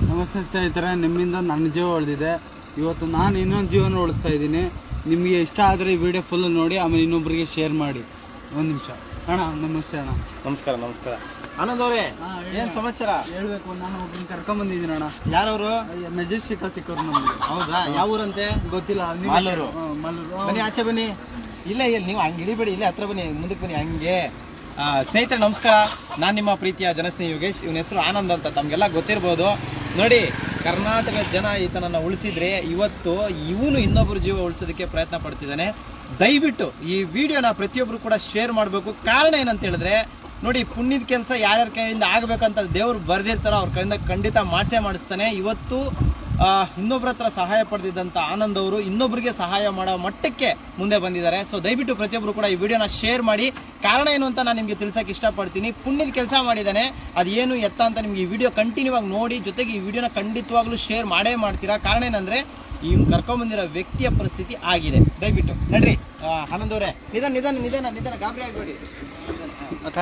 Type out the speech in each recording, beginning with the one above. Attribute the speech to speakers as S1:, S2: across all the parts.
S1: ನಮಸ್ತೆ ಸ್ನೇಹಿತರೆ, ನಿಮ್ಮಿಂದ ನನ್ನ ಜೀವ ಉಳಿದಿದೆ. ಇವತ್ತು ನಾನು ಇನ್ನೊಂದು ಜೀವನ ಉಳಿಸ್ತಾ ಇದ್ದೀನಿ. ನಿಮಗೆ ಇಷ್ಟ ಆದರೆ ಈ ವಿಡಿಯೋ ಫುಲ್ ನೋಡಿ, ಆಮೇಲೆ ಇನ್ನೊಬ್ಬರಿಗೆ ಶೇರ್ ಮಾಡಿ. ಒಂದು ನಿಮಿಷ ಅಣ್ಣ. ನಮಸ್ತೆ ಅಣ್ಣ.
S2: ನಮಸ್ಕಾರ. ನಮಸ್ಕಾರ ಆನಂದ್ ಅವರೇ, ಏನು ಸಮಾಚಾರ?
S1: ಹೇಳ್ಬೇಕು, ನಾನು ಒಬ್ಬರನ್ನ ಕರ್ಕೊಂಬಂದಿದ್ದೀನಿ ಅಣ್ಣ.
S2: ಯಾರವರು?
S1: ಮೆಜೆಸ್ಟಿಕ್ ಸಿಕ್ಕವ್ರು ನಮಗೆ.
S2: ಹೌದಾ? ಯಾವ ಊರಂತೆ?
S1: ಗೊತ್ತಿಲ್ಲ.
S2: ಮಾಲೂರು.
S1: ಮಾಲೂರು.
S2: ಬನ್ನಿ, ಆಚೆ ಬನ್ನಿ. ಇಲ್ಲ ನೀವು ಹಂಗೆ ಇಳಿಬೇಡಿ, ಇಲ್ಲೇ ಹತ್ರ ಬನ್ನಿ, ಮುಂದಕ್ಕೆ ಬನ್ನಿ ಹಂಗೆ. ಸ್ನೇಹಿತರೆ ನಮಸ್ಕಾರ, ನಾನು ನಿಮ್ಮ ಪ್ರೀತಿಯ ಜನಸ್ನೇಹಿ ಯೋಗೇಶ್. ಇವನ ಹೆಸರು ಆನಂದ್ ಅಂತ, ತಮಗೆಲ್ಲ ಗೊತ್ತಿರ್ಬೋದು. ನೋಡಿ, ಕರ್ನಾಟಕದ ಜನ ಈತನನ್ನ ಉಳಿಸಿದ್ರೆ ಇವತ್ತು ಇವನು ಇನ್ನೊಬ್ಬರ ಜೀವ ಉಳಿಸೋದಕ್ಕೆ ಪ್ರಯತ್ನ ಪಡ್ತಿದ್ದಾನೆ. ದಯವಿಟ್ಟು ಈ ವಿಡಿಯೋನ ಪ್ರತಿಯೊಬ್ಬರು ಕೂಡ ಶೇರ್ ಮಾಡಬೇಕು. ಕಾರಣ ಏನಂತ ಹೇಳಿದ್ರೆ, ನೋಡಿ, ಪುಣ್ಯದ ಕೆಲಸ ಯಾರ್ಯಾರ ಕೈಯಿಂದ ಆಗಬೇಕಂತ ದೇವ್ರು ಬರ್ದಿರ್ತಾರೋ ಅವ್ರ ಕೈಯಿಂದ ಖಂಡಿತ ಮಾಡಿಸ್ತಾನೆ. ಇವತ್ತು ಇನ್ನೊಬ್ಬರ ಹತ್ರ ಸಹಾಯ ಪಡೆದಿದ್ದಂಥ ಆನಂದ್ ಅವರು ಇನ್ನೊಬ್ಬರಿಗೆ ಸಹಾಯ ಮಾಡೋ ಮಟ್ಟಕ್ಕೆ ಮುಂದೆ ಬಂದಿದ್ದಾರೆ. ಸೊ ದಯವಿಟ್ಟು ಪ್ರತಿಯೊಬ್ಬರು ಕೂಡ ಈ ವಿಡಿಯೋನ ಶೇರ್ ಮಾಡಿ. ಕಾರಣ ಏನು ಅಂತ ನಾನು ನಿಮಗೆ ತಿಳ್ಸಕ್ಕೆ ಇಷ್ಟಪಡ್ತೀನಿ. ಪುಣ್ಯದ ಕೆಲಸ ಮಾಡಿದ್ದಾನೆ, ಅದೇನು ಎತ್ತ ಅಂತ ನಿಮ್ಗೆ ಈ ವಿಡಿಯೋ ಕಂಟಿನ್ಯೂ ಆಗಿ ನೋಡಿ, ಜೊತೆಗೆ ಈ ವಿಡಿಯೋನ ಖಂಡಿತವಾಗ್ಲೂ ಶೇರ್ ಮಾಡೇ ಮಾಡ್ತೀರಾ. ಕಾರಣ ಏನಂದ್ರೆ ಈ ಕರ್ಕೊಂಡ್ಬಂದಿರೋ ವ್ಯಕ್ತಿಯ ಪರಿಸ್ಥಿತಿ ಆಗಿದೆ. ದಯವಿಟ್ಟು ನಡ್ರಿ. ಆನಂದ್ ಅವರೇ, ನಿಧಾನ ಗಾಬರಿ ಆಗಬೇಡಿ ಅಕ್ಕ.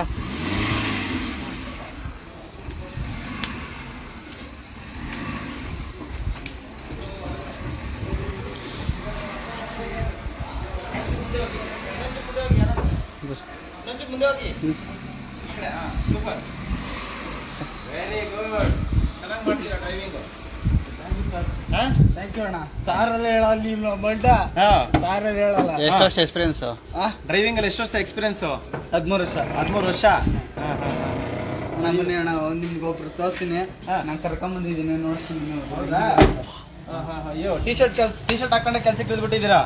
S2: ಮುಂದೆ ಹೋಗಿ. ಸೂಪರ್, ವೆರಿ ಗುಡ್, ಚೆನ್ನಾಗಿ ಮಾಡ್ತೀರಾ ಡ್ರೈವಿಂಗ್.
S1: ಥ್ಯಾಂಕ್ ಯು ಅಣ್ಣ. ಸಾರಲ್ಲಿ ಹೇಳಲ್ಲ ನಿಮ್ಮ ಮಂಟ, ಸಾರಲ್ಲಿ ಹೇಳಲ್ಲ.
S2: ಎಷ್ಟು ವರ್ಷ ಎಕ್ಸ್ಪೀರಿಯನ್ಸ್ ಡ್ರೈವಿಂಗ್ ಅಲ್ಲಿ? ಎಷ್ಟು ವರ್ಷ ಎಕ್ಸ್ಪೀರಿಯನ್ಸ್? 13 ವರ್ಷ. 13 ವರ್ಷ.
S1: ನಮ್ಮನೆ ಅಣ್ಣ, ನಿಮ್ಗೆ ಒಬ್ರು ತೋರಿಸ್ತೀನಿ. ನಾನು ಕರ್ಕೊಂಬಂದಿದ್ದೀನಿ, ನೋಡ್ತೀನಿ.
S2: ಅಯ್ಯೋ, ಟಿ ಶರ್ಟ್ ಹಾಕೊಂಡೆ ಕೆಲ್ಸಕ್ಕೆ ಇಳಿದ್ಬಿಟ್ಟಿದ್ದೀರಾ?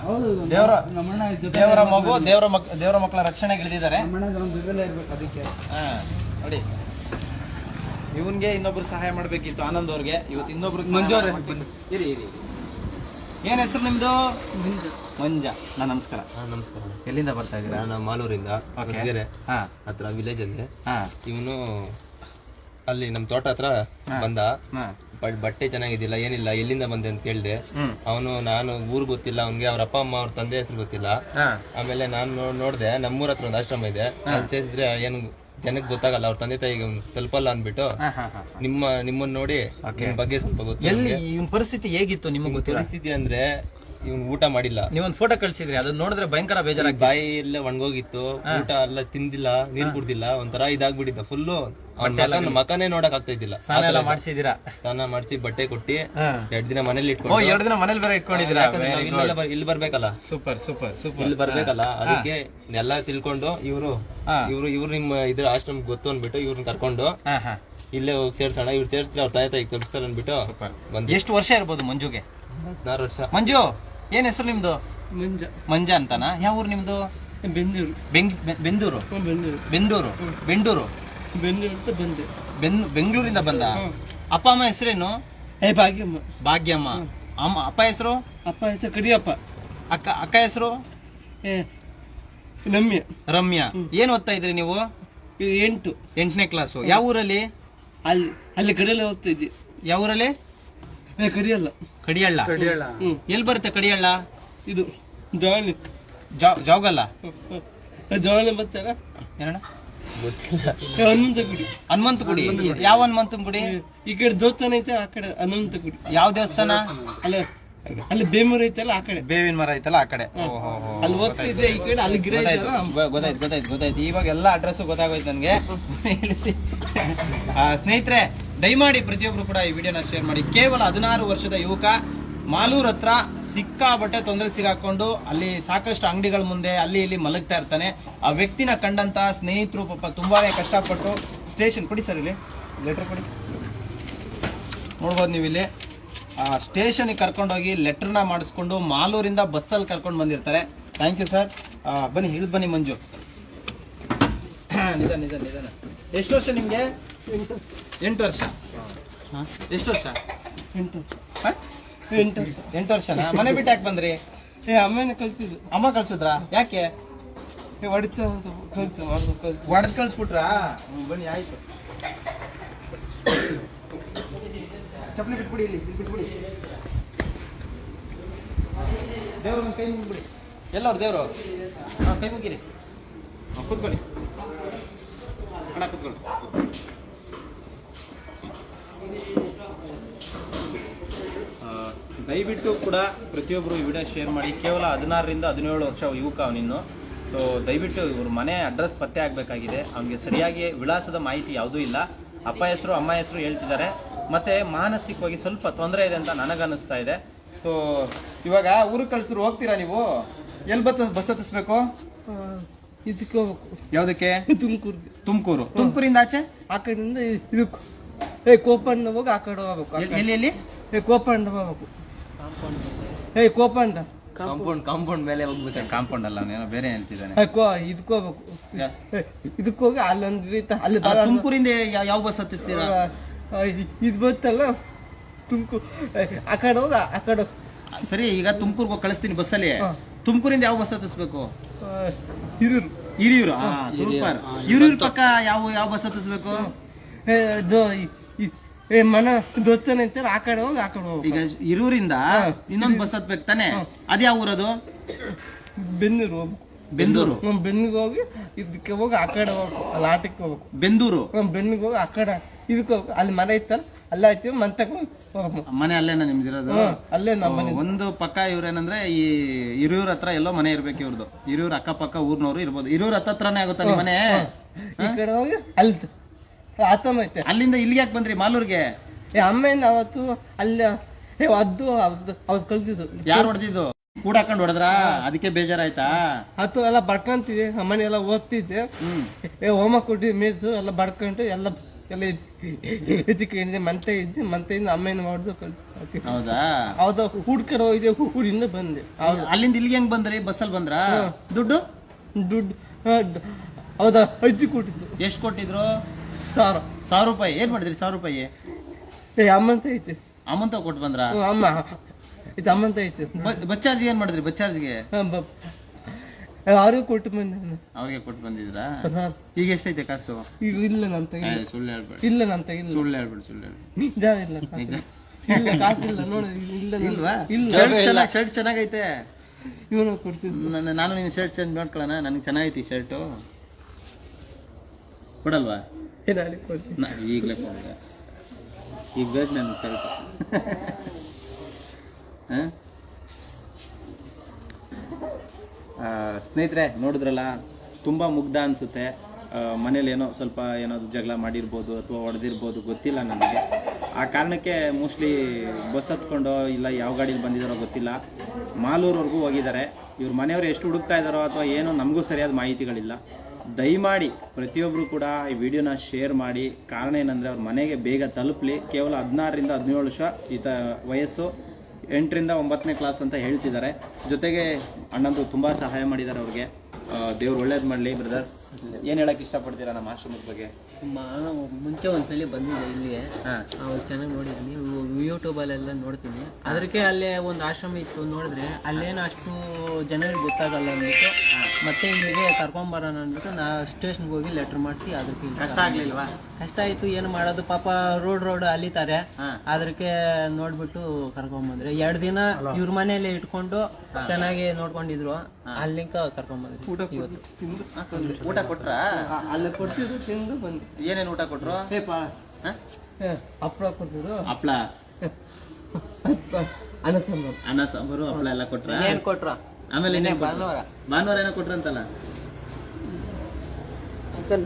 S2: ದೇವರ ಮಕ್ಕಳ ರಕ್ಷಣೆಗೆ ಇಳಿದಿದ್ದಾರೆ.
S1: ಅದಕ್ಕೆ
S2: ನೋಡಿ, ಇವನ್ಗೆ ಇನ್ನೊಬ್ರು ಸಹಾಯ ಮಾಡ್ಬೇಕಿತ್ತು ಆನಂದ್ ಅವ್ರಿಗೆ. ಇವತ್ತು ಇನ್ನೊಬ್ರು
S1: ಮಂಜು ಅವ್ರೆ.
S2: ಇರಿ. ಏನ್ ಹೆಸರು ನಿಮ್ದು? ಮಂಜ. ನಮಸ್ಕಾರ.
S3: ನಮಸ್ಕಾರ.
S2: ಎಲ್ಲಿಂದ ಬರ್ತಾ ಇದ್ದೀರಾ?
S3: ನಾನು ಮಾಲೂರಿಂದ ಹತ್ರ ವಿಲೇಜ್ ಅಲ್ಲಿ. ಇವನು ಅಲ್ಲಿ ನಮ್ ತೋಟ ಹತ್ರ ಬಂದ. ಬಟ್ಟೆ ಚೆನ್ನಾಗಿದ್ದಿಲ್ಲ, ಏನಿಲ್ಲ, ಎಲ್ಲಿಂದ ಬಂದೆ ಅಂತ ಕೇಳಿದೆ. ಅವನು ನಾನು ಊರ್ ಗೊತ್ತಿಲ್ಲ ಅವನ್ಗೆ, ಅವ್ರ ಅಪ್ಪ ಅಮ್ಮ ಅವ್ರ ತಂದೆ ಹೆಸರು ಗೊತ್ತಿಲ್ಲ. ಆಮೇಲೆ ನಾನು ನೋಡ್ದೆ, ನಮ್ಮೂರ ಹತ್ರ ಒಂದು ಆಶ್ರಮ ಇದೆ, ಅಲ್ಲಿ ಸೇರಿದ್ರೆ ಏನು ಜನಕ್ಕೆ ಗೊತ್ತಾಗಲ್ಲ, ಅವ್ರ ತಂದೆ ತಾಯಿಗೆ ತಲುಪಲ್ಲ ಅಂದ್ಬಿಟ್ಟು ನಿಮ್ಮನ್ನ ನೋಡಿ ನಿಮ್ ಬಗ್ಗೆ ಸ್ವಲ್ಪ ಗೊತ್ತು.
S2: ಎಲ್ಲಿ ಇವನ್ ಪರಿಸ್ಥಿತಿ ಹೇಗಿತ್ತು ನಿಮಗೆ ಗೊತ್ತಿಲ್ಲ?
S3: ಪರಿಸ್ಥಿತಿ ಅಂದ್ರೆ ಇವ್ನು ಊಟ ಮಾಡಿಲ್ಲ.
S2: ನೀವೊಂದು ಫೋಟೋ ಕಳ್ಸಿದ್ರಿ, ಅದನ್ನ ನೋಡಿದ್ರೆ ಭಯಂಕರ ಬೇಜಾರಾಗಿ
S3: ಬಾಯಿ ಎಲ್ಲ ಒಣಗೋಗಿತ್ತು, ಊಟ ಎಲ್ಲ ತಿಂದಿಲ್ಲ, ನೀರ್ ಕುಡ್ದಿಲ್ಲ, ಒಂಥರ ಇದಾಗ್ಬಿಟ್ಟಿದ್ದ ಫುಲ್ಲು. ಮಕನೇ ನೋಡಕ್ ಆಗ್ತಾ ಇದ್ದಿಲ್ಲ.
S2: ಸ್ನಾನ ಮಾಡಿಸಿದೀರಾ?
S3: ಸ್ನಾನ ಮಾಡಿಸಿ ಬಟ್ಟೆ ಕೊಟ್ಟಿ 2 ದಿನ ಮನೇಲಿ
S2: ಇಟ್ಕೊಂಡು. 2 ದಿನ ಮನೇಲಿ ಬೇರೆ ಇಟ್ಕೊಂಡಿದ್ದೀರಾ?
S3: ಇಲ್ಲಿ ಬರ್ಬೇಕಲ್ಲ.
S2: ಸೂಪರ್.
S3: ಇಲ್ಲಿ ಬರ್ಬೇಕಲ್ಲ, ಅದಕ್ಕೆ ಎಲ್ಲ ತಿಳ್ಕೊಂಡು ಇವ್ರು ನಿಮ್ಮ ಇದ್ರ ಆಶ್ರಮ ಗೊತ್ತು ಅನ್ಬಿಟ್ಟು ಇವ್ರನ್ನ ಕರ್ಕೊಂಡು ಇಲ್ಲೇ ಹೋಗಿ ಸೇರ್ಸೋಣ, ಇವ್ರು ಸೇರ್ಸಿದ್ರೆ ಅವ್ರ ತಾಯಿ ತೋರಿಸ್ತಾರೆ ಅನ್ಬಿಟ್ಟು.
S2: ಎಷ್ಟು ವರ್ಷ ಇರ್ಬೋದು ಮಂಜುಗೆ?
S3: 16 ವರ್ಷ.
S2: ಮಂಜು, ಏನ್ ಹೆಸರು ನಿಮ್ದು? ಮಂಜ ಅಂತಾನ? ಯಾವ ಊರು ನಿಮ್ದು? ಬೆಂದೂರು. ಬೆಂಗಳೂರಿಂದ ಬಂದ? ಅಪ್ಪ ಅಮ್ಮ ಹೆಸರೇನು? ಭಾಗ್ಯಮ್ಮ. ಅಪ್ಪ ಹೆಸರು?
S1: ಕಡಿಯಪ್ಪ.
S2: ಅಕ್ಕ ಹೆಸರು? ರಮ್ಯಾ. ಏನ್ ಓದ್ತಾ ಇದ್ರಿ ನೀವು? 8ನೇ ಕ್ಲಾಸು. ಯಾವ ಊರಲ್ಲಿ?
S1: ಅಲ್ಲಿ ಕಡಿಯಲ್ಲ ಓದ್ತಾ ಇದ್ದಿ.
S2: ಯಾವ ಊರಲ್ಲಿ? ಕಡಿಯಳ್ಳ. ಎಲ್ಲಿ ಬರುತ್ತೆ ಕಡಿಯಳ್ಳ?
S1: ಇದು
S2: ಜಾಗಲ್ಲ.
S1: ಬರ್ತಾರ
S2: ಏನಣ್ಣ?
S3: ಗೊತ್ತಿಲ್ಲ.
S2: ಹನುಮಂತ ಗುಡಿ. ಯಾವ ಹನುಮಂತನ ಗುಡಿ?
S1: ಈ ಕಡೆ ದೇವಸ್ಥಾನ ಐತೆ, ಆ ಕಡೆ ಹನುಮಂತ ಗುಡಿ.
S2: ಯಾವ ದೇವಸ್ಥಾನ?
S1: ಅಲ್ಲಿ ಬೇಮೂರ ಐತಲ್ಲ, ಆ ಕಡೆ
S2: ಬೇವಿನ ಮರ ಐತಲ್ಲ, ಆ ಕಡೆ.
S1: ಅಲ್ಲಿ ಓದ್ತಿದ್ದೆ, ಈ ಕಡೆ ಅಲ್ಲಿ ಗಿಡ
S2: ಗೊತ್ತಾಯ್ತು. ಇವಾಗ ಎಲ್ಲ ಅಡ್ರೆಸ್ ಗೊತ್ತಾಗೋಯ್ತು ನನ್ಗೆ. ಸ್ನೇಹಿತರೆ, ದಯಮಾಡಿ ಪ್ರತಿಯೊಬ್ರು ಕೂಡ ಈ ವಿಡಿಯೋನ ಶೇರ್ ಮಾಡಿ. ಕೇವಲ 16 ವರ್ಷದ ಯುವಕ ಮಾಲೂರ್ ಹತ್ರ ಸಿಕ್ಕಾಬಟ್ಟೆ ತೊಂದರೆ ಸಿಗಾಕೊಂಡು ಅಲ್ಲಿ ಸಾಕಷ್ಟು ಅಂಗಡಿಗಳ ಮುಂದೆ ಅಲ್ಲಿ ಇಲ್ಲಿ ಮಲಗ್ತಾ ಇರ್ತಾನೆ. ಆ ವ್ಯಕ್ತಿನ ಕಂಡಂತ ಸ್ನೇಹಿತರು ಪಾಪ ತುಂಬಾನೇ ಕಷ್ಟಪಟ್ಟು ಸ್ಟೇಷನ್ ಕೊಡಿ ಸರ್, ಇಲ್ಲಿ ಲೆಟರ್ ಕೊಡಿ, ನೋಡ್ಬೋದು ನೀವು ಇಲ್ಲಿ. ಸ್ಟೇಷನ್ಗೆ ಕರ್ಕೊಂಡೋಗಿ ಲೆಟರ್ನ ಮಾಡಿಸ್ಕೊಂಡು ಮಾಲೂರಿಂದ ಬಸ್ಸಲ್ಲಿ ಕರ್ಕೊಂಡು ಬಂದಿರ್ತಾರೆ. Thank you sir. ಬನ್ನಿ, ಇಳಿದು ಬನ್ನಿ ಮಂಜು. ನಿಧಾನ. ಎಷ್ಟು ವರ್ಷ ನಿಮ್ಗೆ? 8 ವರ್ಷ. ಎಷ್ಟು ವರ್ಷ? 8 ವರ್ಷನಾ? ಮನೆ ಬಿಟ್ಟು ಯಾಕೆ ಬಂದ್ರಿ?
S1: ಅಮ್ಮನ ಕಳ್ಸಿದ್ರು.
S2: ಅಮ್ಮ ಕಳ್ಸಿದ್ರಾ? ಯಾಕೆ? ಹೊಡೆದ್ ಕಳ್ಸ್ಬಿಟ್ರಾ? ಬನ್ನಿ, ಆಯ್ತು. ಚಪ್ಪಲಿ ಬಿಟ್ಬಿಡಿ, ಇಲ್ಲಿ ಬಿಟ್ಬಿಡಿ. ದೇವ್ರ ಕೈ ಮುಗಿಬಿಡಿ. ಎಲ್ಲವ್ರು ದೇವರು? ಕೈ ಮುಗಿರಿ. ಕೂತ್ಕೊಳ್ಳಿ ಅಣ್ಣ, ಕೂತ್ಕೊಳ್ಳಿ. ದಯವಿಟ್ಟು ಕೂಡ ಪ್ರತಿಯೊಬ್ಬರು ಈ ವಿಡಿಯೋ ಶೇರ್ ಮಾಡಿ. ಕೇವಲ 16ರಿಂದ 17 ವರ್ಷ ಯುವಕ ಅವನಿನ್ನು. ಸೊ ದಯವಿಟ್ಟು ಇವ್ರ ಮನೆ ಅಡ್ರೆಸ್ ಪತ್ತೆ ಆಗಬೇಕಾಗಿದೆ. ಅವನಿಗೆ ಸರಿಯಾಗಿ ವಿಳಾಸದ ಮಾಹಿತಿ ಯಾವುದೂ ಇಲ್ಲ. ಅಪ್ಪ ಹೆಸರು ಅಮ್ಮ ಹೆಸರು ಹೇಳ್ತಿದ್ದಾರೆ. ಮತ್ತೆ ಮಾನಸಿಕವಾಗಿ ಸ್ವಲ್ಪ ತೊಂದರೆ ಇದೆ ಅಂತ ನನಗನ್ನಿಸ್ತಾ ಇದೆ. ಸೊ ಇವಾಗ ಊರಿಗೆ ಕಳಿಸಿದ್ರು ಹೋಗ್ತೀರಾ ನೀವು? ಎಲ್ಲಿ ಬಸ್ ಹತ್ತಿಸ್ಬೇಕು?
S4: ಇದಕ್ಕೆ ಹೋಗ್ಬೇಕು.
S2: ಯಾವುದಕ್ಕೆ?
S4: ತುಮಕೂರು.
S2: ತುಮಕೂರಿಂದ ಆಚೆ
S4: ಆ ಕಡೆಯಿಂದ ಇದಕ್ಕೆ ಕೋಪಂಡ ಹೋಗಿ ಆ ಕಡೆ ಹೋಗ್ಬೇಕು.
S2: ಎಲ್ಲಿ
S4: ಕೋಪಂಡ ಹೋಗ್ಬೇಕು. ಕೋಪಂಡ
S3: ಕಾಂಪೌಂಡ್ ಮೇಲೆ ಹೋಗ್ಬೇಕು.
S2: ಕಾಂಪೌಂಡ್ ಅಲ್ಲ, ಅವನೇನೋ ಬೇರೆ ಹೇಳ್ತಿದ್ದಾನೆ.
S4: ಇದಕ್ಕೆ ಹೋಗ್ಬೇಕು. ಇದಕ್ಕೆ ಹೋಗಿ ಅಲ್ಲೊಂದು ಅಲ್ಲಿ
S2: ತುಮಕೂರಿಂದ ಯಾವ ಬಸ್ ಹತ್ತಿಸ್ತೀರಾ?
S4: ಇದು ಬತ್ತಲ್ಲ ತುಮಕೂರು, ಆ ಕಡೆ ಹೋಗಿ ಆ ಕಡೆ.
S2: ಸರಿ, ಈಗ ತುಮಕೂರ್ಗೆ ಕಳಿಸ್ತೀನಿ ಬಸ್ಸಲ್ಲಿ. ತುಮಕೂರಿಂದ ಯಾವ ಬಸ್ ಹತ್ತಿಸ್ಬೇಕು?
S4: ಹಿರಿಯೂರು.
S2: ಹಿರಿಯೂರು. ಸೂಪರ್. ಹಿರಿಯೂರು ಪಕ್ಕ ಯಾವ ಬಸ್ ಹತ್ತಿಸ್ಬೇಕು?
S4: ಮನ ದೊಚ್ಚನ ಅಂತಾರೆ, ಆ ಕಡೆ ಹೋಗಿ ಆ ಕಡೆ ಹೋಗಿ.
S2: ಈಗ ಹಿರಿಯೂರಿಂದ ಇನ್ನೊಂದು ಬಸ್ ಹತ್ಬೇಕು ತಾನೆ? ಅದ್ ಯಾವ ಊರದು?
S4: ಬೆನ್ನೂರು ಹೋಗ್ಬೇಕು.
S2: ಬೆಂದೂರು.
S4: ಬೆನ್ನಿಗೆ ಹೋಗಿ ಇದಕ್ಕೆ ಹೋಗಿ ಆ ಕಡೆ ಹೋಗ್ಬೇಕು. ಅಲ್ಲಿ ಆಟಕ್ಕೆ ಹೋಗ್ಬೇಕು.
S2: ಬೆಂದೂರು.
S4: ಬೆನ್ನಿಗೆ ಹೋಗಿ ಆ ಕಡೆ ಇದಕ್ಕೆ ಹೋಗ್ಬೇಕು. ಅಲ್ಲಿ ಮನೆ ಇತ್ತಲ್ಲ, ಅಲ್ಲೇ ಆಯ್ತೀವಿ. ಮನೆ ತಗೊಂಡು ಹೋಗ್ಬೇಕು.
S2: ಮನೆ ಅಲ್ಲೇನ ನಿಮ್ದಿರೋದು?
S4: ಅಲ್ಲೇ ನಮ್ಮ ಮನೆ.
S2: ಒಂದು ಪಕ್ಕ ಇವ್ರೇನಂದ್ರೆ ಈ ಹಿರಿಯೂರ್ ಹತ್ರ ಎಲ್ಲೋ ಮನೆ ಇರ್ಬೇಕು ಇವ್ರದ್ದು. ಹಿರಿಯೂರ್ ಅಕ್ಕಪಕ್ಕ ಊರ್ನವ್ರು ಇರ್ಬೋದು. ಹಿರಿಯೂರ್ ಹತ್ರನೇ ಆಗುತ್ತಾ ನಿಮ್ಮ ಮನೆ?
S4: ಈ ಕಡೆ ಹೋಗಿ ಅಲ್ಲಿ ಆತಮ್ಮ ಐತೆ.
S2: ಅಲ್ಲಿಂದ ಇಲ್ಲಿಗೆ ಯಾಕೆ ಬಂದ್ರಿ ಮಾಲೂರ್ಗೆ?
S4: ಅಮ್ಮೇನ ಅವತ್ತು ಅಲ್ಲಿ ಅವ್ದು ಕಲ್ತಿದ್ದು.
S2: ಯಾರು ಹೊಡೆದಿದ್ದು? ಕೂಡ ಹಾಕೊಂಡು ಹೊಡೆದ್ರ? ಅದಕ್ಕೆ ಬೇಜಾರಾಯ್ತಾ?
S4: ಅದು ಎಲ್ಲ ಬಡ್ಕೊಂತಿದ್ದೆ. ಅಮ್ಮನೆ ಎಲ್ಲ ಓದ್ತಿದ್ದೆ. ಹೋಮ ಕೊಟ್ಟು ಮೇಯ್ದು ಎಲ್ಲ ಬಡ್ಕೊಂಡು ಎಲ್ಲ ಎತ್ತಿಕೊಂಡಿದ್ದೆ. ಮಂತೆಯಿಂದ ಅಮ್ಮೇನ ಹೊಡೆದು ಕಲ್ತು.
S2: ಹೌದಾ?
S4: ಹೌದಾ? ಹುಡ್ಕಡೆ ಹೋಗಿದ್ದೆ. ಊರಿಂದ ಬಂದೆ.
S2: ಅಲ್ಲಿಂದ ಇಲ್ಲಿಗೆ ಹೆಂಗ್ ಬಂದ್ರಿ? ಬಸ್ಸಲ್ಲಿ ಬಂದ್ರ? ದುಡ್ಡು
S4: ಹೌದಾ? ಅಜ್ಜಿ ಕೊಟ್ಟಿದ್ದು.
S2: ಎಷ್ಟು ಕೊಟ್ಟಿದ್ರು?
S4: 1000
S2: ರೂಪಾಯಿ. ಏನ್ ಮಾಡಿದ್ರಿ 1000 ರೂಪಾಯಿ?
S4: ಅಮ್ಮಂತ ಐತೆ.
S2: ಅಮ್ಮಂತ ಕೊಟ್ಟು ಬಂದ್ರ?
S4: ಅಮ್ಮ ಇದು ಅಮ್ಮಂತ ಐತೆ.
S2: ಬಸ್ ಚಾರ್ಜ್ ಏನ್ ಮಾಡಿದ್ರಿ? ಬಸ್ ಚಾರ್ಜ್ಗೆ
S4: ಅವ್ರಿಗೆ ಕೊಟ್ಟು ಬಂದೆ.
S2: ಅವ್ರಿಗೆ ಕೊಟ್ಟು ಬಂದಿದ್ರಾ?
S4: ಸರ್
S2: ಈಗ ಎಷ್ಟೈತೆ ಕಾಸು?
S4: ಈಗ ಇಲ್ಲ ನಾನು ತೆಗಿಲ್ಲ.
S2: ಸುಳ್ಳು ಹೇಳ್ಬೇಡಿ.
S4: ಇಲ್ಲ ನಾನು ತೆಗಿಲ್ಲ.
S2: ಸುಳ್ಳು ಹೇಳ್ಬೇಡಿ.
S4: ನಿಜ ಇಲ್ಲ. ಇಲ್ಲ ಕಾಸಿಲ್ಲ ನೋಡಿ. ಇಲ್ಲ
S2: ಇಲ್ವಾ?
S4: ಇಲ್ಲ.
S2: ಶರ್ಟ್ ಚೆನ್ನಾಗೈತೆ.
S4: ಇವನು ಕೊಡ್ತಿದ್ದು.
S2: ನಾನು ನಿನ್ನ ಶರ್ಟ್ ಚೇಂಜ್ ಮಾಡ್ಕೊಳ್ಳೋಣ? ನನಗೆ ಚೆನ್ನಾಗೈತಿ ಶರ್ಟು. ಕೊಡಲ್ವಾ?
S4: ನಾಳೆ ಕೊಡ್ತೀನಿ.
S2: ಈಗಲೇ ಕೊಡ. ಈಗ ಬೇಕು ನನಗೆ ಶರ್ಟ್. ಸ್ನೇಹಿತರೆ, ನೋಡಿದ್ರಲ್ಲ, ತುಂಬ ಮುಗ್ಧ ಅನಿಸುತ್ತೆ. ಮನೇಲಿ ಸ್ವಲ್ಪ ಏನಾದ್ರು ಜಗಳ ಮಾಡಿರ್ಬೋದು ಅಥವಾ ಹೊಡೆದಿರ್ಬೋದು, ಗೊತ್ತಿಲ್ಲ ನನಗೆ. ಆ ಕಾರಣಕ್ಕೆ ಮೋಸ್ಟ್ಲಿ ಬಸ್ ಹತ್ಕೊಂಡು ಇಲ್ಲ ಯಾವ ಗಾಡೀಲಿ ಬಂದಿದ್ದಾರೋ ಗೊತ್ತಿಲ್ಲ, ಮಾಲೂರ್ವರೆಗೂ ಹೋಗಿದ್ದಾರೆ. ಇವ್ರ ಮನೆಯವರು ಎಷ್ಟು ಹುಡುಕ್ತಾ ಇದ್ದಾರೋ ಅಥವಾ ಏನೋ ನಮಗೂ ಸರಿಯಾದ ಮಾಹಿತಿಗಳಿಲ್ಲ. ದಯಮಾಡಿ ಪ್ರತಿಯೊಬ್ಬರು ಕೂಡ ಈ ವಿಡಿಯೋನ ಶೇರ್ ಮಾಡಿ. ಕಾರಣ ಏನಂದರೆ ಅವ್ರ ಮನೆಗೆ ಬೇಗ ತಲುಪಲಿ. ಕೇವಲ 16ರಿಂದ 17 ವರ್ಷ ವಯಸ್ಸು, 8ರಿಂದ 9ನೇ ಕ್ಲಾಸ್ ಅಂತ ಹೇಳ್ತಿದ್ದಾರೆ. ಜೊತೆಗೆ ಅಣ್ಣಂದು ತುಂಬ ಸಹಾಯ ಮಾಡಿದ್ದಾರೆ ಅವ್ರಿಗೆ. ದೇವ್ರು ಒಳ್ಳೇದು ಮಾಡಲಿ. ಬ್ರದರ್, ಏನು ಹೇಳಕ್ಕೆ ಇಷ್ಟಪಡ್ತೀರಾ ನಮ್ಮ ಆಶ್ರಮದ ಬಗ್ಗೆ?
S5: ಮುಂಚೆ ಒಂದ್ಸಲಿ ಬಂದಿದ್ದೆ ಇಲ್ಲಿಗೆ. ಅವಾಗ ಚೆನ್ನಾಗಿ ನೋಡಿದ್ದೀನಿ, ಯೂಟ್ಯೂಬಲ್ಲೆಲ್ಲ ನೋಡ್ತೀನಿ. ಅದಕ್ಕೆ ಅಲ್ಲೇ ಒಂದು ಆಶ್ರಮ ಇತ್ತು, ನೋಡಿದ್ರೆ ಅಲ್ಲೇನು ಅಷ್ಟು ಜನರಿಗೆ ಗೊತ್ತಾಗಲ್ಲ ಅಂದ್ಬಿಟ್ಟು ಮತ್ತೆ ಇಲ್ಲಿಗೆ ಕರ್ಕೊಂಬರೋಣ ಅಂದ್ಬಿಟ್ಟು ನಾ ಸ್ಟೇಷನ್ಗೆ ಹೋಗಿ ಲೆಟ್ರ್ ಮಾಡಿಸಿ. ಅದಕ್ಕೆ
S2: ಕಷ್ಟ ಆಗ್ಲಿಲ್ವಾ?
S5: ಕಷ್ಟ ಆಯ್ತು, ಏನು ಮಾಡೋದು, ಪಾಪ ರೋಡ್ ಅಲಿತಾರೆ. ಅದಕ್ಕೆ ನೋಡ್ಬಿಟ್ಟು ಕರ್ಕೊಂಬಂದ್ರೆ 2 ದಿನ ಇವ್ರ ಮನೆಯಲ್ಲೇ ಇಟ್ಕೊಂಡು ಚೆನ್ನಾಗಿ ನೋಡ್ಕೊಂಡಿದ್ರು. ಅಲ್ಲಿಂದ ಕರ್ಕೊಂಬಂದ್ರಿ.
S2: ಊಟ ಕೊಟ್ರಾ?
S4: ಅಲ್ಲ ಕೊಡ್ತಿದ್ರು, ತಿಂದು ಬಂದು.
S2: ಏನೇನು ಊಟ ಕೊಟ್ರು?
S4: ಹಪ್ಪಳ ಕೊಡ್ತಿದ್ರು.
S2: ಹಪ್ಳ, ಅನ್ನ ಸಾಂಬಾರು, ಹಪ್ಪಳ ಎಲ್ಲ ಕೊಟ್ರ?
S5: ಏನ್ ಕೊಟ್ರ?
S2: ಆಮೇಲೆ ಭಾನುವಾರ ಏನೋ ಕೊಟ್ರಂತಲ್ಲ?
S4: ಚಿಕನ್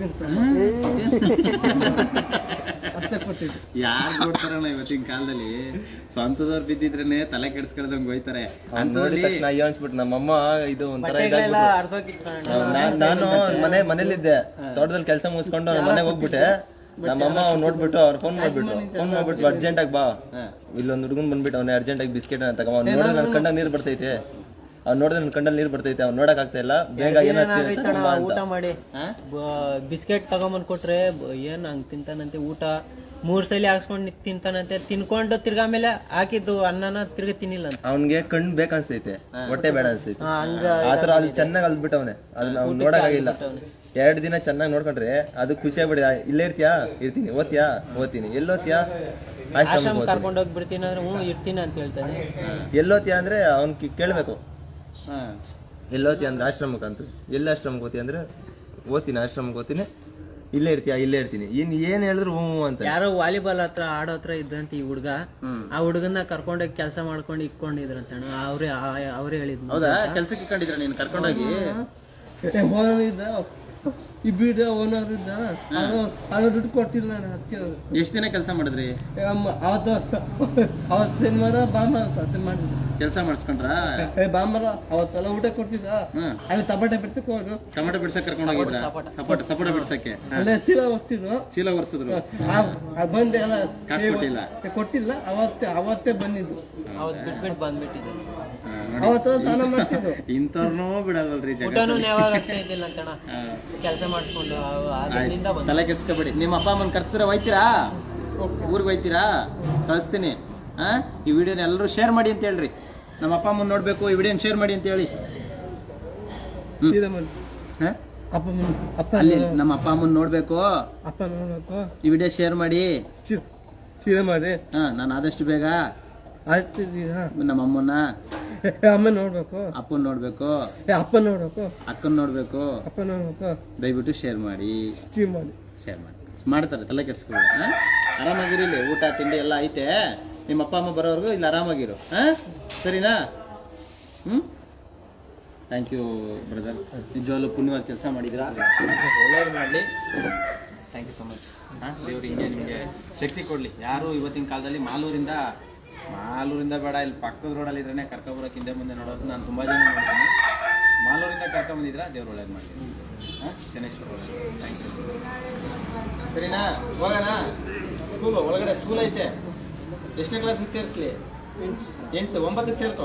S2: ಯಾರು ಕೊಡ್ತಾರಣ್ಣ ಇವತ್ತಿನ ಕಾಲದಲ್ಲಿ? ಸ್ವಂತದವ್ರು ಬಿದ್ದಿದ್ರೇನೆ ತಲೆ ಕೆಡ್ಸ್ಕೊಳ್ದಂಗ್ ಹೋಯ್ತಾರೆ.
S3: ನೋಡಿದ ತಕ್ಷಣ ಅಯ್ಯೋ ಅನ್ಸ್ಬಿಟ್ಟು ನಮ್ಮಮ್ಮ ಇದು ಒಂಥರ ನಾನು ಮನೇಲಿದ್ದೆ, ತೋಟದಲ್ಲಿ ಕೆಲಸ ಮುಗಿಸ್ಕೊಂಡು ನಮ್ಮ ಮನೆಗೆ ಹೋಗ್ಬಿಟ್ಟೆ. ನಮ್ಮಮ್ಮ ಅವ್ನು ನೋಡ್ಬಿಟ್ಟು ಅವ್ರು ಫೋನ್ ಮಾಡ್ಬಿಟ್ಟು ಅರ್ಜೆಂಟ್ ಆಗಿ ಬಾ, ಇಲ್ಲೊಂದು ಹುಡುಗನ್ ಬಂದ್ಬಿಟ್ಟು ಅವ್ನ ಅರ್ಜೆಂಟ್ ಆಗಿ ಬಿಸ್ಕೆಟ್ ಅಂತ ತಗೋ. ಅವ್ನು ನೋಡಿದ್ರೆ ನನ್ನ ಕಂಡಲ್ಲಿ ನೀರು ಬರ್ತೈತೆ. ಅವ್ನು ನೋಡಕ್ ಆಗ್ತಾ ಇಲ್ಲ. ಬೇಗ
S5: ಊಟ ಮಾಡಿ ಬಿಸ್ಕೆಟ್ ತಗೊಂಬಂದ್ ಕೊಟ್ರೆ ಏನ್ ಹಂಗ್ ತಿಂತಾನಂತೆ. ಊಟ 3 ಸಲ ಹಾಕ್ಸ್ಕೊಂಡ್ ತಿಂತಾನಂತೆ. ತಿನ್ಕೊಂಡು ತಿರ್ಗಾ ಮೇಲೆ ಹಾಕಿದ್ದು ಅನ್ನನ ತಿರ್ಗಿ ತಿನ್ನಿಲ್ಲ ಅಂತ.
S3: ಅವ್ನಿಗೆ ಕಣ್ಣು ಬೇಕನ್ಸ್ತೈತೆ, ಹೊಟ್ಟೆ ಬೇಡ ಅನ್ಸ್ತೈತೆ. ಆತರ ಅಲ್ಲಿ ಚೆನ್ನಾಗಿ ಅಲ್ಬಿಟ್ಟವನೆ. ಅದನ್ನ ಅವ್ನು ನೋಡಕ್ಕಾಗಿಲ್ಲ. 2 ದಿನ ಚೆನ್ನಾಗಿ ನೋಡ್ಕೊಂಡ್ರೆ ಅದು ಖುಷಿ ಆಗ್ಬಿಡಿ. ಇಲ್ಲೇ ಇರ್ತೀಯಾ? ಇರ್ತೀನಿ. ಓದ್ತೀನಿ. ಎಲ್ಲೋತ್ಯಾ?
S5: ಆಶ್ರಮ ಕರ್ಕೊಂಡು ಹೋಗಿ ಬಿಡ್ತೀನಿ ಅಂದ್ರೆ ಇರ್ತೀನಿ ಅಂತ ಹೇಳ್ತಾನೆ.
S3: ಎಲ್ಲೋತ್ಯಾ ಅಂದ್ರೆ ಅವ್ನ್ ಕೇಳ್ಬೇಕು. ಎಲ್ಲೋತಿ ಅಂದ್ರೆ ಆಶ್ರಮಕ್ಕೆ ಅಂತ. ಎಲ್ಲಿ ಆಶ್ರಮಕ್ಕೆ ಓದ್ತಿ ಅಂದ್ರೆ ಓದ್ತೀನಿ, ಆಶ್ರಮಕ್ಕೆ ಓದ್ತೀನಿ, ಇಲ್ಲೇ ಇರ್ತೀಯ ಇಲ್ಲೇ ಇರ್ತೀನಿ ಏನ್ ಹೇಳಿದ್ರು ಹ್ಞೂ ಅಂತ.
S5: ಯಾರೋ ವಾಲಿಬಾಲ್ ಹತ್ರ ಆಡೋ ಹತ್ರ ಇದ್ದಂತ ಈ ಹುಡುಗ, ಆ ಹುಡುಗನ್ನ ಕರ್ಕೊಂಡೋಗಿ ಕೆಲಸ ಮಾಡ್ಕೊಂಡು ಇಕ್ಕೊಂಡಿದ್ರಂತಣ್ಣ. ಅವ್ರೇ ಹೇಳಿದ್ರು.
S2: ಹೌದಾ? ಕೆಲ್ಸಕ್ಕೆ ಇಟ್ಕೊಂಡಿದ್ರ ನೀನು ಕರ್ಕೊಂಡೋಗಿ?
S4: ಓನರ್ ಇದ್ದ, ಈ ಬೀಡ ಓನರ್ ಇದ್ದ, ಅದು ದುಡ್ಡು ಕೊಟ್ಟಿಲ್ಲ ನಾನು. ಅದಕ್ಕೆ
S2: ಎಷ್ಟು ದಿನ ಕೆಲಸ ಮಾಡಿದ್ರಿ?
S4: ಅವತ್ತು ಶನಿವಾರ ಭಾನುವಾರ ಮಾಡಿದ್ರು
S2: ಕೆಲಸ ಮಾಡಿಸ್ಕೊಂಡ್ರ?
S4: ಭಾನುವಾರ ಅವತ್ತೆಲ್ಲ ಊಟ ಕೊಡ್ತಿದ್ದ. ಅಲ್ಲಿ ಸಪಾಟೆ ಬಿಡ್ತಕ್ಕೆ ಹೋದ್ರು.
S2: ಟೊಮೆಟೊ ಬಿಡ್ಸಕ್ ಕರ್ಕೊಂಡು ಹೋಗಿದ್ರ? ಸಪೋಟ ಬಿಡ್ಸಕ್ಕೆ
S4: ಅಲ್ಲೇ ಚೀಲ ಹೊರ್ತಿದ್ರು.
S2: ಚೀಲ ಒರ್ಸಿದ್ರು?
S4: ಬಂದೆ ಎಲ್ಲ
S2: ಕಾಸು
S4: ಕೊಟ್ಟಿಲ್ಲ. ಅವತ್ತೇ ಬಂದಿದ್ದು.
S5: ಅವತ್ತು ಬಿಟ್ಬಿಟ್ಟು ಬಂದ್ಬಿಟ್ಟಿದ್ರು.
S4: ಅವತ್ತು ಸ್ನಾನ ಮಾಡ್ತಿದ್ರು.
S2: ಇಂಥವ್ರನ್ನೂ ಬಿಡಲ್ರಿ
S5: ಊಟನೂ ಯಾವಾಗ ಆಗ್ತಾ ಇದ್ದಿಲ್ಲ ಅಂತಣ್ಣ, ಕೆಲಸ ಮಾಡಿಸ್ಕೊಂಡು.
S2: ತಲೆ ಕೆಡ್ಸ್ಕೊಬೇಡಿ. ನಿಮ್ಮ ಅಪ್ಪ ಅಮ್ಮನ ಕರ್ಸಿದ್ರೆ ಹೋಯ್ತೀರಾ? ಊರಿಗೆ ಹೋಯ್ತೀರಾ? ಕಳಿಸ್ತೀನಿ. ಈ ವಿಡಿಯೋನ ಎಲ್ಲರೂ ಶೇರ್ ಮಾಡಿ ಅಂತ ಹೇಳ್ರಿ. ನಮ್ಮ ಅಪ್ಪ ಅಮ್ಮನ ನೋಡ್ಬೇಕು, ಈ ವಿಡಿಯೋನ ಶೇರ್ ಮಾಡಿ ಅಂತ ಹೇಳಿ. ಅಲ್ಲಿ ನಮ್ಮ ಅಪ್ಪ ಅಮ್ಮನ ನೋಡ್ಬೇಕು,
S4: ಅಪ್ಪ ನೋಡ್ಬೇಕು,
S2: ಈ ವಿಡಿಯೋ ಶೇರ್ ಮಾಡಿ.
S4: ಸೀರೆ ಮಾಡಿ.
S2: ನಾನು ಆದಷ್ಟು ಬೇಗ
S4: ಆಯ್ತು.
S2: ನಮ್ಮ ಅಮ್ಮನ
S4: ಅಮ್ಮ ನೋಡ್ಬೇಕು,
S2: ಅಪ್ಪನ್ ನೋಡ್ಬೇಕು,
S4: ಅಪ್ಪ ನೋಡ್ಬೇಕು,
S2: ಅಕ್ಕನ್ ನೋಡ್ಬೇಕು.
S4: ಅಪ್ಪ ನೋಡ್ಬೇಕು.
S2: ದಯವಿಟ್ಟು ಶೇರ್ ಮಾಡಿ. ಶೇರ್ ಮಾಡಿ. ಮಾಡ್ತಾರೆ, ತಲೆ ಕೆಡ್ಸ್ಕೊಬೇಡಿ. ಆರಾಮಾಗಿರಿ. ಇಲ್ಲಿ ಊಟ ತಿಂಡಿ ಎಲ್ಲ ಐತೆ. ನಿಮ್ಮ ಅಪ್ಪ ಅಮ್ಮ ಬರೋವರೆಗೂ ಇಲ್ಲಿ ಆರಾಮಾಗಿರು. ಸರಿನಾ? Thank you brother. ನಿಜವಾಗ್ಲೂ ಪುಣ್ಯವಾದ ಕೆಲಸ ಮಾಡಿದಿರಾ. ಒಳ್ಳೆಯದು ಮಾಡಲಿ. Thank you so much. ದೇವ್ರು ಹಿಂಗೆ ನಿಮಗೆ ಶಕ್ತಿ ಕೊಡಲಿ. ಯಾರು ಇವತ್ತಿನ ಕಾಲದಲ್ಲಿ ಮಾಲೂರಿಂದ ಬೇಡ, ಇಲ್ಲಿ ಪಕ್ಕದ ರೋಡಲ್ಲಿ ಇದ್ರೆ ಕರ್ಕೊಬರೋಕೆ ಹಿಂದೆ ಮುಂದೆ ನೋಡೋದು ನಾನು ತುಂಬ ಜನ ನೋಡ್ತೀನಿ. ಮಾಲೂರಿಂದ ಕರ್ಕೊಂಬಂದಿದ್ರಾ, ದೇವ್ರು ಒಳ್ಳೇದು ಮಾಡಿ. Shaneshwara thank you. ಸರಿನಾ? ಹೋಗೋಣ. ಸ್ಕೂಲು ಒಳಗಡೆ ಸ್ಕೂಲ್ ಐತೆ. ಎಷ್ಟನೇ ಕ್ಲಾಸಿಗೆ ಸೇರಿಸ್ಲಿ? 8, 9ಕ್ಕೆ ಸೇರ್ಕೋ.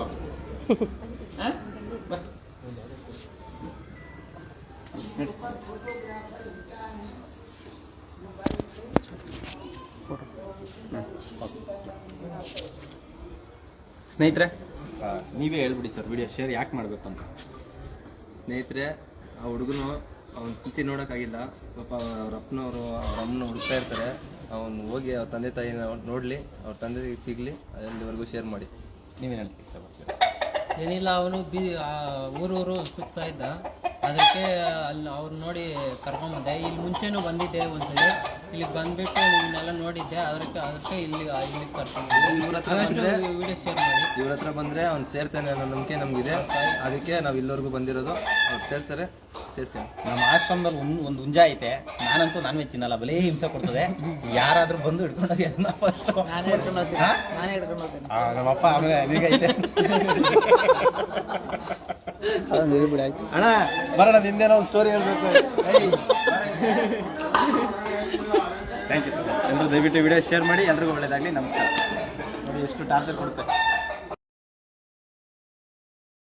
S2: ಸ್ನೇಹಿತರೆ, ನೀವೇ ಹೇಳ್ಬಿಡಿ ಸರ್ ವಿಡಿಯೋ ಶೇರ್ ಯಾಕೆ ಮಾಡಬೇಕು ಅಂತ.
S3: ಸ್ನೇಹಿತರೆ, ಆ ಹುಡುಗನು ಅವ್ನ ಸ್ಥಿತಿ ನೋಡೋಕ್ಕಾಗಿಲ್ಲ. ಪಾಪ ಅವ್ರ ಅಪ್ಪನವರು ಅವ್ರ ಅಮ್ಮನ ಹುಡುಕ್ತಾ ಇರ್ತಾರೆ. ಅವನು ಹೋಗಿ ಅವ್ರ ತಂದೆ ತಾಯಿನ ನೋಡಲಿ, ಅವ್ರ ತಂದೆ ಸಿಗಲಿ, ಅಲ್ಲಿವರೆಗೂ ಶೇರ್ ಮಾಡಿ.
S2: ನೀವೇನು ಹೇಳ್ತೀವಿ ಸರ್?
S5: ಏನಿಲ್ಲ, ಅವನು ಊರೂರು ಸುತ್ತಾ ಇದ್ದ. ಅದಕ್ಕೆ ಅಲ್ಲಿ ಅವ್ರು ನೋಡಿ ಕರ್ಕೊಂಬಂದೆ. ಇಲ್ಲಿ ಮುಂಚೆನೂ ಬಂದಿದ್ದೆ ಒಂದ್ಸಲಿ, ಇಲ್ಲಿಗೆ ಬಂದ್ಬಿಟ್ಟು ನಿಮ್ಮನ್ನೆಲ್ಲ ನೋಡಿದ್ದೆ. ಅದಕ್ಕೆ ಇಲ್ಲಿಗೆ ಕರ್ಕೊಂಡ್ಬಂದೆ. ವಿಡಿಯೋ ಶೇರ್ ಮಾಡಿ.
S3: ಇವ್ರ ಹತ್ರ ಬಂದರೆ ಅವ್ನು ಸೇರ್ತಾನೆ ಅನ್ನೋ ನಂಬಿಕೆ ನಮಗಿದೆ. ಅದಕ್ಕೆ ನಾವು ಇಲ್ಲಿವರೆಗೂ ಬಂದಿರೋದು. ಅವ್ರು ಸೇರ್ತಾರೆ, ಸೇರ್ಸಿ.
S2: ನಮ್ಮ ಆಶ್ರಮದಲ್ಲಿ ಒಂದು ಹುಂಜ ಐತೆ. ನಾನಂತೂ ನಾನ್ ವೆಜ್ ತಿನ್ನಲ್ಲ, ಬಲೇ ಹಿಂಸೆ ಕೊಡ್ತದೆ. ಯಾರಾದ್ರೂ ಬಂದು ಹಿಡ್ಕೊಂಡೋಗಿ ಅದನ್ನ ಫಸ್ಟ್ ನಮ್ಮಪ್ಪ ಆಮೇಲೆ ಐತೆ. ಅಣ್ಣ ಬರೋಣ, ನಿಂದೇನೋ ಒಂದು ಸ್ಟೋರಿ ಹೇಳ್ಬೇಕು. Thank you so much. ಎಲ್ಲರೂ ದಯವಿಟ್ಟು ವಿಡಿಯೋ ಶೇರ್ ಮಾಡಿ. ಎಲ್ರಿಗೂ ಒಳ್ಳೇದಾಗಲಿ. ನಮಸ್ಕಾರ. ನೋಡಿ ಎಷ್ಟು ಟಾರ್ಚರ್ ಕೊಡುತ್ತೆ.